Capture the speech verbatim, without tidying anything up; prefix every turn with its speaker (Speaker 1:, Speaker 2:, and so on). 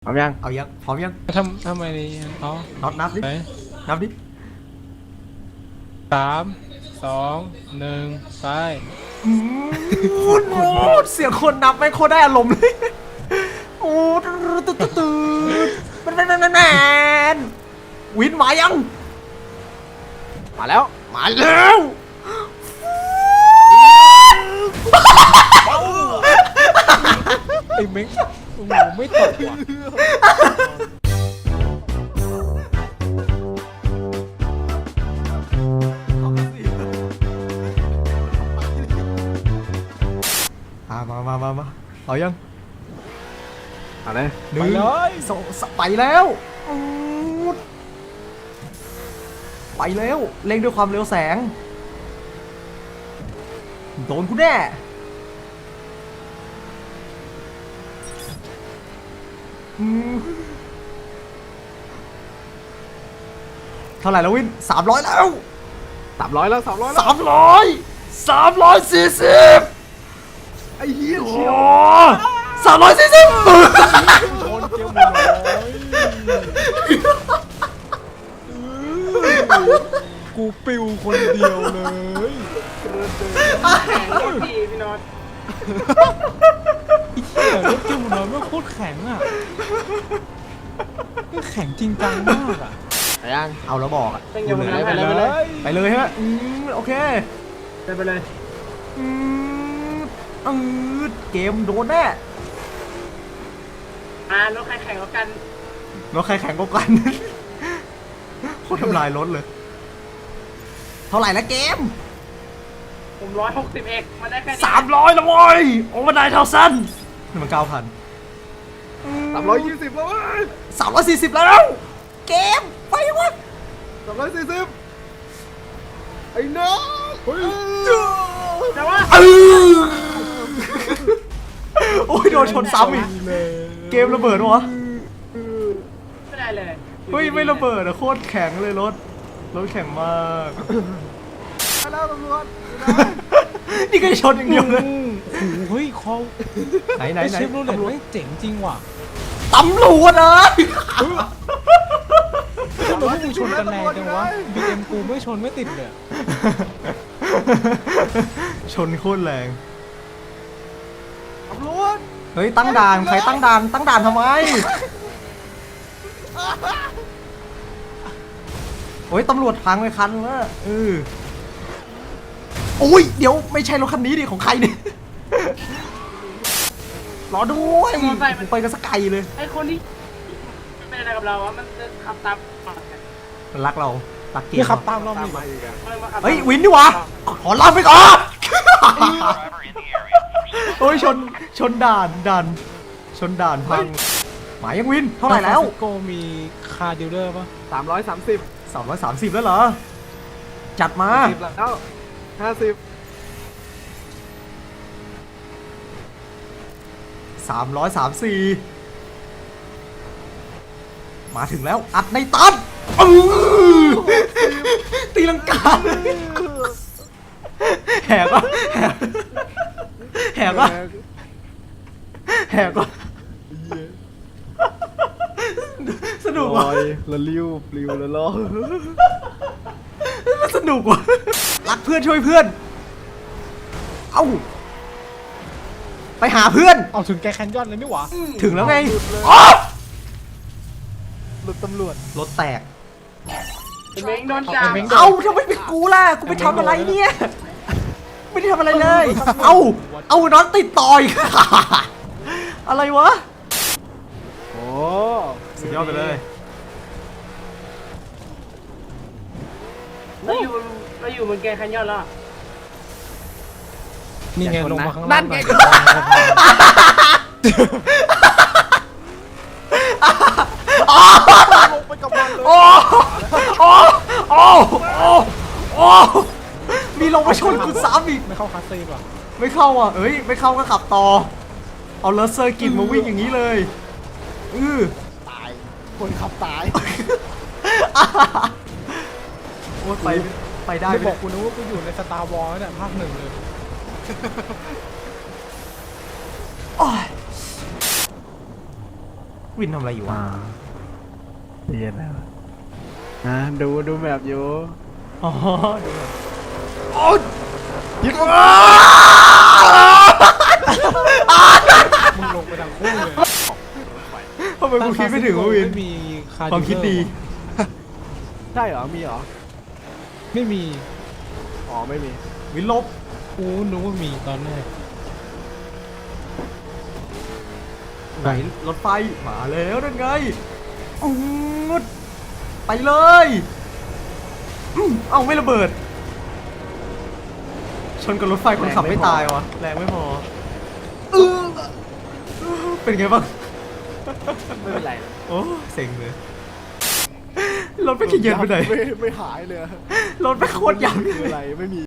Speaker 1: ร้อมยัง
Speaker 2: เอายังพร้อมยัง
Speaker 3: ทำทำไมนี่อ๋อ
Speaker 2: น็อตนับดินับดิ
Speaker 3: สามสองหนึ่งไป
Speaker 2: พูดพูดเสียงคนนับไม่โคตรได้อารมณ์เลยโอ้ตื่นตื่นตื่นมันมันมันมันวินมายัง
Speaker 1: มาแล้ว
Speaker 2: มาแล้ว
Speaker 3: ไอ้เม้งโอ้โหไม่ตกว่ะ
Speaker 2: มามามามาเอายัง
Speaker 1: อะไร
Speaker 2: หนึ่งสองไปแล้วไปแล้วเร่งด้วยความเร็วแสงโดนกูแน่เท่าไหร่แล้ววินสามร้อยแล้ว
Speaker 1: สามร้อยแล้วสามร้อย
Speaker 2: สามร้อยสามร้อยสี่สิบ
Speaker 1: ไอ้เหี้ยเชียว
Speaker 2: สามร้อยสี่สิบ
Speaker 3: ชนเจียวหมดกูปิวคนเดียวเลย
Speaker 4: แข็งโคตรดีพี่น็อต
Speaker 3: ไอ้เหี้ยรถเจียวหมดเลยมันโคตรแข็งอ่ะแข็งจริงจังมากอ่ะ
Speaker 1: ไปยัง
Speaker 2: เอาแล้วบอกอ่ะ
Speaker 4: ไปเลย
Speaker 1: ไปเลยไปเลย
Speaker 2: ไปเลยฮะอืมโอเค
Speaker 4: ไปเลย
Speaker 2: อืมอืดเกมโดนแน่
Speaker 4: อ่ารถใครแข่งกัน
Speaker 2: รถใครแข่งก็กันโคตรทำลายรถเลยเท่าไหร่ละเกม
Speaker 4: ผมร้อยหกสิบเอ็กมาได้แค่
Speaker 2: สามร้อยละโว้ยโอ้มันได้เท่าสั้นนี่มันเก้าพัน
Speaker 1: สามร้อยยี่สิบแล้ว
Speaker 2: สามร้อยสี่สิบแล้วเกมไปวะ
Speaker 1: สามร้อยสี่สิบไอ้น้องเฮ้ย
Speaker 4: แต่ว่า
Speaker 2: โอ้ยโดนชนซ้ำอีกเกมระเบิดวะ
Speaker 4: ไม่ได้เลย
Speaker 2: เฮ้ยไม่ระเบิดอะโคตรแข็งเลยรถรถแข็งมาก
Speaker 1: แล้วตำรวจ
Speaker 2: นี่ก็ชนอย่างเดียวเลย
Speaker 3: เฮ้ยเขา
Speaker 2: ไหนไหนไหน
Speaker 3: เชฟโรเลตไม่เจ๋งจริงว่ะ
Speaker 2: ตำรวจนะ
Speaker 3: ทำไมพวกมึงชนกันแรงจังวะบีเอ็มกูไม่ชนไม่ติดเลย
Speaker 2: ชนโคตรแรง
Speaker 1: ตำรวจ
Speaker 2: เฮ้ยตั้งด่านใครตั้งด่านตั้งด่านทำไมโอ้ยตำรวจพังไปคันแล้วเออโอ้ยเดี๋ยวไม่ใช่รถคันนี้ดิของใครเนี่ยรอด้วยไปกันสักไกลเลย
Speaker 4: ไอ้คนที่เป็นอะไรกับเราวะมันขับตาม
Speaker 2: มันรักเรารักเกม
Speaker 3: ขับตามเราไม่
Speaker 2: เฮ้ยวินดิวะขอลาไปก่อนโอ้ยชนชนด่านด่านชนด่านพังหมายยังวินเท่าไหร่แล้ว
Speaker 3: โกมีคาร์ดิลเลอร์ป่ะ
Speaker 1: สามร้อยสามสิบ
Speaker 2: สามร้อยสามสิบแล้วเหรอจัดมา
Speaker 1: สิบแล้วห้าสิบ
Speaker 2: สามร้อยสามสี่มาถึงแล้วอัดในตันตีลังกาแหกวะแหกวะแหกวะสนุกว่ะ
Speaker 1: ละลิ้วปลิวละล้อ
Speaker 2: สนุกว่ะรักเพื่อนช่วยเพื่อนเอ้าไปหาเพื่อน
Speaker 3: เอาถึงแกแคนยอนเลยนี่หว่า
Speaker 2: ถึงแล้วไง
Speaker 1: รถตำรวจ
Speaker 2: รถแตก
Speaker 4: เม้งโดนจับ
Speaker 2: เอ้าทำไมเป็นกูล่ะกูไปทำอะไรเนี่ยไม่ได้ทำอะไรเลยเอ้าเอาน็อตติดต่อยอะไรวะ
Speaker 1: โอ้
Speaker 2: สุดยอดไปเลย
Speaker 4: เราอยู่เราอยู่บนแกแคนยอนแล้ว
Speaker 3: นี่ไงลงมาข้างล่างนั่นไง
Speaker 1: ลงไปกับมันเลย
Speaker 2: โอ้โอ้โอ้โอ้มีลงมาชนกูซ้ำอีก
Speaker 3: ไม่เข้าคาซีป่ะ
Speaker 2: ไม่เข้าอ่ะเอ้ยไม่เข้าก็ขับต่อเอาเลเซอร์กินมาวิ่งอย่างนี้เลยอือ
Speaker 1: ตายคนขับตาย
Speaker 2: โอ้ไปไปได้
Speaker 3: บอกกูนึกว่ากูอยู่ในสตาร์วอร์เนี่ยภาคหนึ่งเลย
Speaker 2: วินทำอะไรอยู่วะ
Speaker 1: อ่าเย็นแล้วอ่าดูดูแบบอยู่
Speaker 2: อ๋อดูหน่อยโอ๊ย
Speaker 1: ยึด
Speaker 3: มึงลงไปดังคู่เลย
Speaker 2: ทำไมกูคิดไม่ถึงวะวิน
Speaker 3: ไม่มีคาร์
Speaker 2: ความคิดดี
Speaker 1: ใช่เหรอมีเหรอ
Speaker 3: ไม่มี
Speaker 1: อ๋อไม่มี
Speaker 2: วินลบ
Speaker 3: กูนึกว่ามีตอนแรก
Speaker 2: ไหนรถไฟมาแล้วนั่นไงอืดไปเลยอืมเอ้าไม่ระเบิด ชนกับรถไฟคนขับไม่ตายวะแรงไม่พอเออเป็นไงบ้าง
Speaker 1: ไม่เป็นไร
Speaker 2: โอ้เซ็งเลยรถไม่ขี้เย็นไปไหน
Speaker 1: ไม่ไม่หายเลย
Speaker 2: รถไม่โคตรยับ
Speaker 1: คืออะไรไม่มี